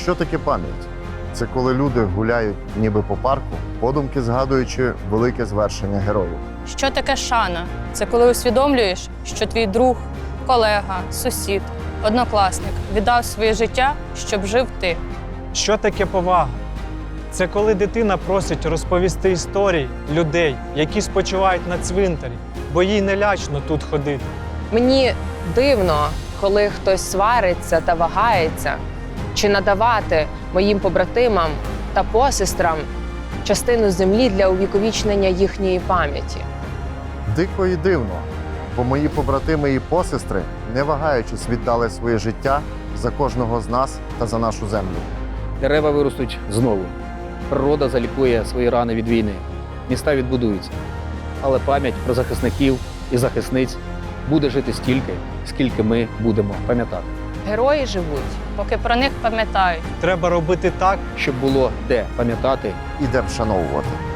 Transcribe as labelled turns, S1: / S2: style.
S1: Що таке пам'ять? Це коли люди гуляють ніби по парку, подумки згадуючи велике звершення героїв.
S2: Що таке шана? Це коли усвідомлюєш, що твій друг, колега, сусід, однокласник віддав своє життя, щоб жив ти.
S3: Що таке повага? Це коли дитина просить розповісти історії людей, які спочивають на цвинтарі, бо їй не лячно тут ходити.
S4: Мені дивно, коли хтось свариться та вагається, чи надавати моїм побратимам та посестрам частину землі для увіковічнення їхньої пам'яті.
S1: Дико і дивно, бо мої побратими і посестри, не вагаючись, віддали своє життя за кожного з нас та за нашу землю.
S5: Дерева виростуть знову. Природа залікує свої рани від війни. Міста відбудуються. Але пам'ять про захисників і захисниць буде жити стільки, скільки ми будемо пам'ятати.
S4: Герої живуть.
S2: Поки про них пам'ятають.
S3: Треба робити так,
S5: Щоб було де пам'ятати
S1: І де вшановувати.